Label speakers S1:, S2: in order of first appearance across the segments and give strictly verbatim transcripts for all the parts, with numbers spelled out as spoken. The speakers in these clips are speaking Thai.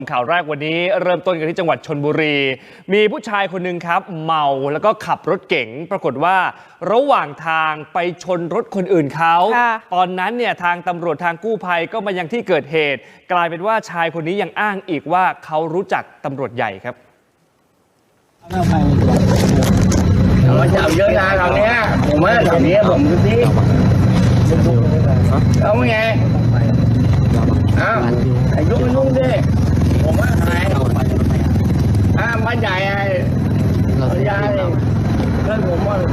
S1: ข่าวแรกวันนี้เริ่มต้นกันที่จังหวัดชลบุรีมีผู้ชายคนหนึ่งครับเมาแล้วก็ขับรถเก๋งปรากฏว่าระหว่างทางไปชนรถคนอื่นเขาตอนนั้นเนี่ยทางตำรวจทางกู้ภัยก็มายังที่เกิดเหตุกลายเป็นว่าชายคนนี้ยังอ้างอีกว่าเขารู้จักตำรวจใหญ่ครับ
S2: เราจับเยอะนะคราวนี้ผมว่าแถวนี้ผมดูสิเอาไงอ้าวไอ้ยุ่งยุ่งดิผมว่าใครอ้าวบ้านใหญ่ไอ้ยายเพื่อนผมว่า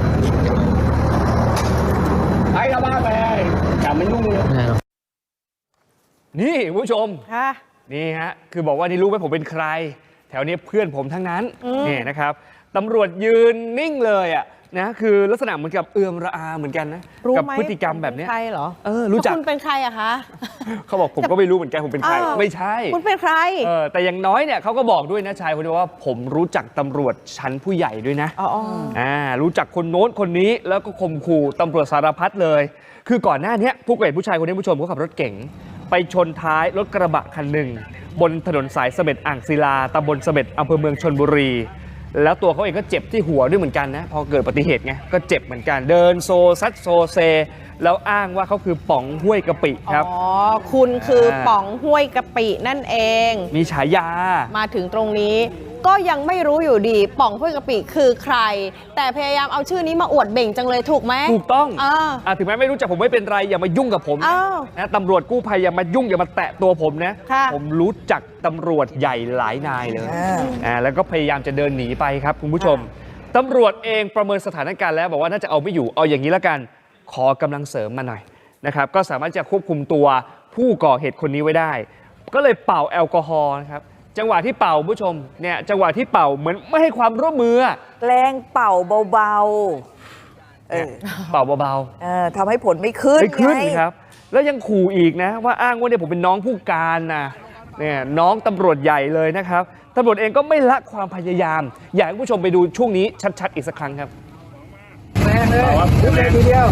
S2: ไปกับบ้านไปจับมันยุ่งเลย
S1: นี่ผู้ชมนี่ฮะคือบอกว่านี่รู้ไหมผมเป็นใครแถวนี้เพื่อนผมทั้งนั้นนี่นะครับตำรวจยืนนิ่งเลยอ่ะนะคือลักษณะเหมือนกับเอื้อมระอาเหมือนกันนะกับพฤติกรรมแบบนี้
S3: ใครเหรอ
S1: เออรู้จัก
S3: คุณเป็นใครอะคะ
S1: เขาบอกผมก็ไม่รู้เหมือนกันผมเป็นใครไม่ใช่
S3: คุณเป็นใคร
S1: เออแต่อย่างน้อยเนี่ยเขาก็บอกด้วยนะชายคนนี้ว่าผมรู้จักตำรวจชั้นผู้ใหญ่ด้วยนะอ๋ออ่ารู้จักคนโน้นคนนี้แล้วก็ข่มขู่ตำรวจสารพัดเลยคือก่อนหน้านี้ผู้ก่อเหตุผู้ชายคนนี้ผู้ชมเขาขับรถเก๋งไปชนท้ายรถกระบะคันหนึ่งบนถนนสายเสม็ดอ่างศิลาตำบลเสม็ดอำเภอเมืองชลบุรีแล้วตัวเขาเองก็เจ็บที่หัวด้วยเหมือนกันนะพอเกิดอุบัติเหตุไงก็เจ็บเหมือนกันเดินโซซัดโซเซแล้วอ้างว่าเขาคือป๋องห้วยกะปิครับ
S3: อ๋อคุณคือป๋องห้วยกะปินั่นเอง
S1: มีฉายา
S3: มาถึงตรงนี้ก็ยังไม่รู้อยู่ดีป๋องห้วยกะปิคือใครแต่พยายามเอาชื่อนี้มาอวดเบ่งจังเลยถูกไหม
S1: ถูกต้องอ่าถึงแม้ไม่รู้จักผมไม่เป็นไรอย่ามายุ่งกับผมนะตำรวจกู้ภัยอย่ามายุ่งอย่ามาแตะตัวผมนะผมรู้จักตำรวจใหญ่หลายนายเลยอ่าแล้วก็พยายามจะเดินหนีไปครับคุณผู้ชมตำรวจเองประเมินสถานการณ์แล้วบอกว่าน่าจะเอาไม่อยู่เอาอย่างนี้แล้วกันขอกำลังเสริมมาหน่อยนะครับก็สามารถจะควบคุมตัวผู้ก่อเหตุคนนี้ไว้ได้ก็เลยเป่าแอลกอฮอล์นะครับจังหวะที่เป่าผู้ชมเนี่ยจังหวะที่เป่าเหมือนไม่ให้ความร่วมมือ
S4: แกล้งเป่าเบาๆ
S1: เออเป่าเบา
S4: ๆเออทำให้ผลไม่ขึ้น
S1: ไม่ขึ้นครับแล้วยังขู่อีกนะว่าอ้างว่าเนี่ยผมเป็นน้องผู้การนะเนี่ยน้องตำรวจใหญ่เลยนะครับตำรวจเองก็ไม่ละความพยายามอยากให้ผู้ชมไปดูช่วงนี้ชัดๆอีกสักครั้งครับ
S2: แม่เลยขึ้นเลยทีเดียว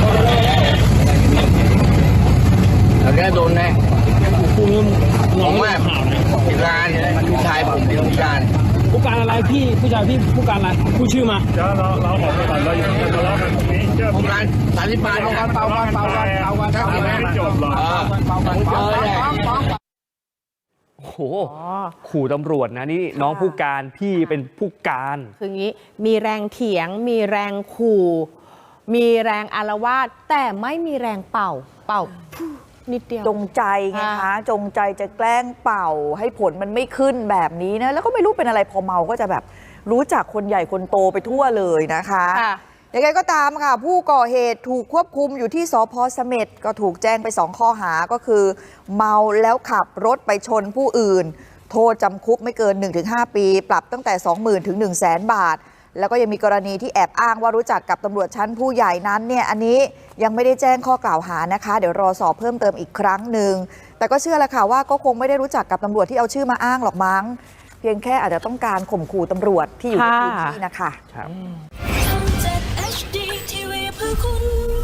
S2: แล้วก็โดนแน่คุณน้องว่าผู้การผู้ชายผมเป็นผู้การ
S5: ผู้การอะไรพี่ผู้ชายพี่ผู้การอะไรผู้ชื่อมา
S6: เดี๋ยวเราเราออกไปก่อนเราอย่าทะเลาะกันตรงนี้
S2: ผู้การสันติบาลผู้การเป่ากันเป่ากันเป่ากันครับ
S6: ไม่จบหรอก
S2: เป่ากันเป่ากัน
S1: โอ้โหขู่ตำรวจนะนี่น้องผู้การพี่เป็นผู้การ
S3: คืออย่างนี้มีแรงเถียงมีแรงขู่มีแรงอาละวาดแต่ไม่มีแรงเป่าเป่านิดเดียว
S4: จงใจไงคะจงใจจะแกล้งเป่าให้ผลมันไม่ขึ้นแบบนี้นะแล้วก็ไม่รู้เป็นอะไรพอเมาก็จะแบบรู้จักคนใหญ่คนโตไปทั่วเลยนะคะยังไงก็ตามค่ะผู้ก่อเหตุถูกควบคุมอยู่ที่สภ.เสม็ดก็ถูกแจ้งไปสองข้อหาก็คือเมาแล้วขับรถไปชนผู้อื่นโทษจำคุกไม่เกิน หนึ่งถึงห้า ปีปรับตั้งแต่ สองหมื่น ถึง หนึ่งแสน บาทแล้วก็ยังมีกรณีที่แอบอ้างว่ารู้จักกับตำรวจชั้นผู้ใหญ่นั้นเนี่ยอันนี้ยังไม่ได้แจ้งข้อกล่าวหานะคะเดี๋ยวรอสอบเพิ่มเติมอีกครั้งหนึ่งแต่ก็เชื่อแหละค่ะว่าก็คงไม่ได้รู้จักกับตำรวจที่เอาชื่อมาอ้างหรอกมั้งเพียงแค่อาจจะต้องการข่มขู่ตำรวจที่อยู่ในพื้นที่นะคะ